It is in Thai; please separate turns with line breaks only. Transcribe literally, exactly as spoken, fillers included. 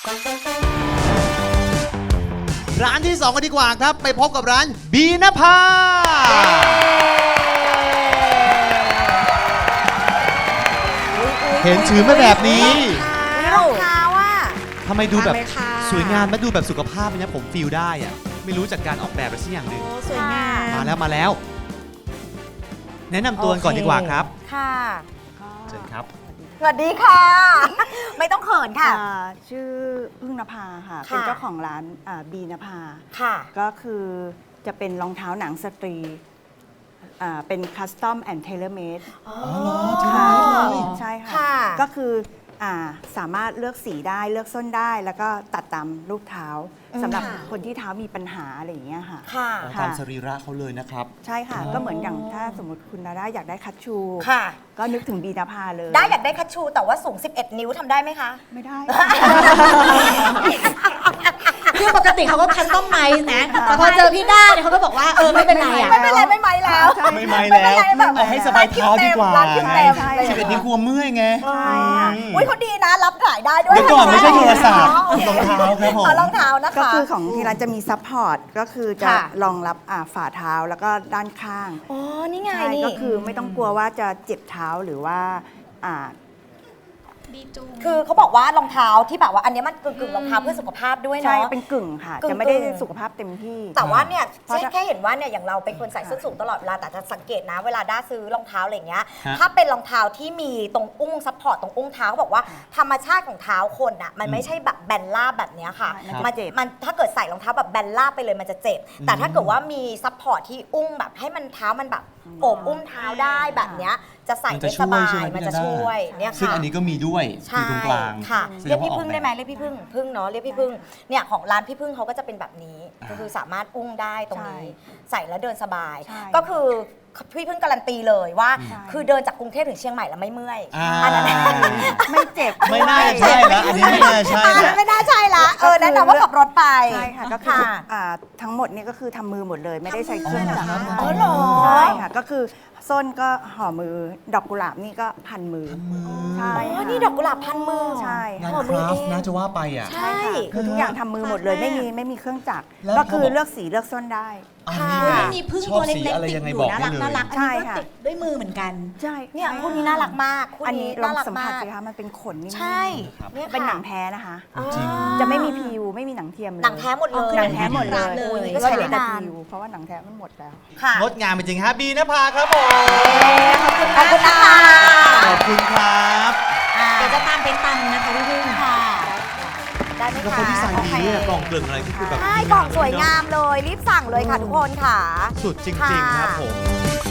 ร้านที่สองกันดีกว่าครับไปพบกับร้านบีนภาเห็นถือมาแบบนี้
รองเท้าอ่ะ
ทำไมดูแบบสวยงามมาดูแบบสุขภาพเนี่ยผมฟีลได้อะไม่รู้จากการออกแบบอะไรสักอย่างหนึ่ง
สวยงาม
มาแล้วมาแล้ว แนะนำตัวก่อนดีกว่าครับ
ค่ะ
เชิญครับ
สวัสดีค่ะ ไม่ต้องเขินค่ะ
อ่าชื่อพึ่งนภาค่ะ
ค่ะ
เป็นเจ้าของร้านอ่าบีนภา
ค่ะ
ก็คือจะเป็นรองเท้าหนังสตรีอ่าเป็นคัสตอมแอนด์เทเลเมด
อ๋อ
ค่ะใช่ค่ะ
ค่ะ
ก็คืออ่าสามารถเลือกสีได้เลือกส้นได้ แล้วก็ตัดตามรูปเท้า
อืม
สำหรับ
ค่ะ
คนที่เท้ามีปัญหาอะไรอย่างเงี้ยค่ะ
ค่ะ
อ๋อตามสรีระเขาเลยนะครับ
ใช่ค่ะ ก็เหมือนอย่างถ้าสมมติคุณดาด้าอยากได้คัชชู
ค่ะ
ก็นึกถึงบีนภาเลย
ได้อยากได้คัชชูแต่ว่าสูง สิบเอ็ด นิ้วทำได้ไหมคะ
ไม่ได้
คือปกติเขาก็คัสตอมไมซ์นะแต่พอเจอพี่ด้าเนี่ยเขาก็บอกว่าเออไม่เป็นไรอ่ะ
ไม่เป็นไรไม่ไหมแล้ว
ใช่
ไม่ไหมแล้ว
แบบ
เอาให้สบายเท้าดีกว่า
ร้นคิวเต็ม
ใช่
ร้าน
ชี
คิ
วิ
ว
ต
เต็
นี้
ม
กลัวเมื่อยไง
ใช่ค่ะ
อุ้ยเขาดีนะรับขายได้ด้วย
เดี๋ยวก่อนไม่ใช่โทรศัพท์
อ๋อ
รองเท้าครับผม
อ๋อรองเท้านะคะ
ก็คือของที่ร้านจะมีซัพพอร์ตก็คือจะ
ค่ะ
รองรับอ่าฝ่าเท้าแล้วก็ด้านข้าง
อ๋อ นี่ไง
ใช่
นี่
ก็คือไม่ต้องกลัวว่าจะเจ็บเท้าหรือว่าอ่า
คือเขาบอกว่ารองเท้าที่แบบว่าอันเนี้ยมันกึ่งๆรองเท้าเพื่อสุขภาพด้วย
ใช่
เนาะ
เป็นกึ่งค่ะ
กึ่งๆ
จะไม่ได้สุขภาพเต็มที่
แต่ว่าเนี่ย
เพราะ
แค่
ถ้า
แค่เห็นว่าเนี่ยอย่างเราเป็นคนใส่ส้นสูงตลอดเวลาแต่จะสังเกตนะเวลาด้าซื้อรองเท้าอะไรอย่างเงี้ย
ฮะ
ถ้าเป็นรองเท้าที่มีตรงอุ้งซัพพอร์ตตรงอุ้งเท้าเขาบอกว่าธรรมชาติของเท้าคนอ่ะมันไม่ใช่แบบแบนราบแบบเนี้ยค่ะ
ใช่
มันมันถ้าเกิดใส่รองเท้าแบบแบนราบไปเลยมันจะเจ็บ แต่ถ้าเกิดว่ามีซัพพอร์ตที่อุ้งแบบให้มันเท้ามันแบบโอบอุ้มเท้าได้แบบเนี้ยจะใส่
มัน
ได้
จะ
ส
ช่วย
บา
ใช่
ย
ไหม
มัน
พี่
จะ
ดาด้า
ช่วยเนี่ย
ซึ่ง
ค่ะ
อันนี้ก็มีด้วยอ
ใช่
ยู่ตรงกลาง
ค่ะ
แสด
เรีย
ง
ก
ว่า
พี่
ออก
พึ่ง
แบ
ได้
บ
ไหมเรียกพี่พึ่งพึ่งเนาะเรียกพี่พึ่งเนี่ยของร้านพี่พึ่งเขาก็จะเป็นแบบนี้ก็คือสามารถอุ้งได้ตรงนี้ ใส่แล้วเดินสบาย
ใช่
ก็คือพี่พึ่งการันตีเลยว่า
ใช่
คือเดินจากกรุงเทพถึงเชียงใหม่แล้วไม่เมื่อย
อ่า
อันนั้น
ไม่เจ็บ
ไม่น่าจะใช่นะอันนี้ไม่น่าใช่
อัน
นะ
นั้นไม่น่าใช่ละเออแนะนำว่าขับรถไป
ใช่ค่ะก็คืออ่าทั้งหมดเนี่ยก็คือทำมือหมดเลย ไม่ได้ใช้เครื่องจักร
อ๋อเหรอ
ใช่ค่ะก็คือส้นก็ห่อมือดอกกุหลาบนี่ก็พันมือ
มือ
ใช่
อ๋อ
ค่ะ
นี่ดอกกุหลาบพันมือ
ใช่
งาน
ค่ะ
คราฟต์น่าจะว่าไปอ่ะ
ใช่
คือทุกอย่างทำมือหมดเลยไม่มีไม่มีเครื่องจักร
แล้ว
ก็คือ
เขาบอก
เลือกสีเลือกส้นได้
อันนี้
ค่ะ
ไม่มีพึ่งตัวเล็ก
ชอบสีอะไร
ๆติด
ยังไง
อยู่
บอก
น่า
ได้
รัก
เลย
น่ารักอัน
ใช่
นี้ก็
ค่ะ
ติดด้วยมือเหมือนกัน
ใช่
เนี่ย
ใช่
คู่นี้น่ารักมากคู่
อัน
นี้
นี้ลอ
น่าง รัก
สัมผั
มา
ส
ก
สิคะมันเป็นขนนี่
ใช่
ครับ
เนี่ย
เป็น
ค่ะ
หนังแท้นะคะ
อ๋อ
จริง
จะไม่มีพิวไม่มีหนังเทียมเลย
หนังแท้หมดเลย
หนังแท้หมดเลย
เลย
ก็
ก็
ใช้
ใช้
ได้
แต่
นาน
พิวเพราะว่าหนังแท้มันหมดแล้ว
ค่ะ
งดงามจริงๆฮะบีนภาครับผม
ขอบคุณนะคะ
ขอบคุณครับ
เดี๋ยวจะตามไปตังนะคะพี่พึ่ง
ค่ะได้ไหม
แล้ว
คะ
เขาดีไซน์ดีเนี่ย
โอเค
กล่องเกลึงอะไรก็คือแบบ
ใช่กล่องสวยงามเลย รีบสั่งเลยค่ะทุกคนค่ะ
สุดจริงๆครับผม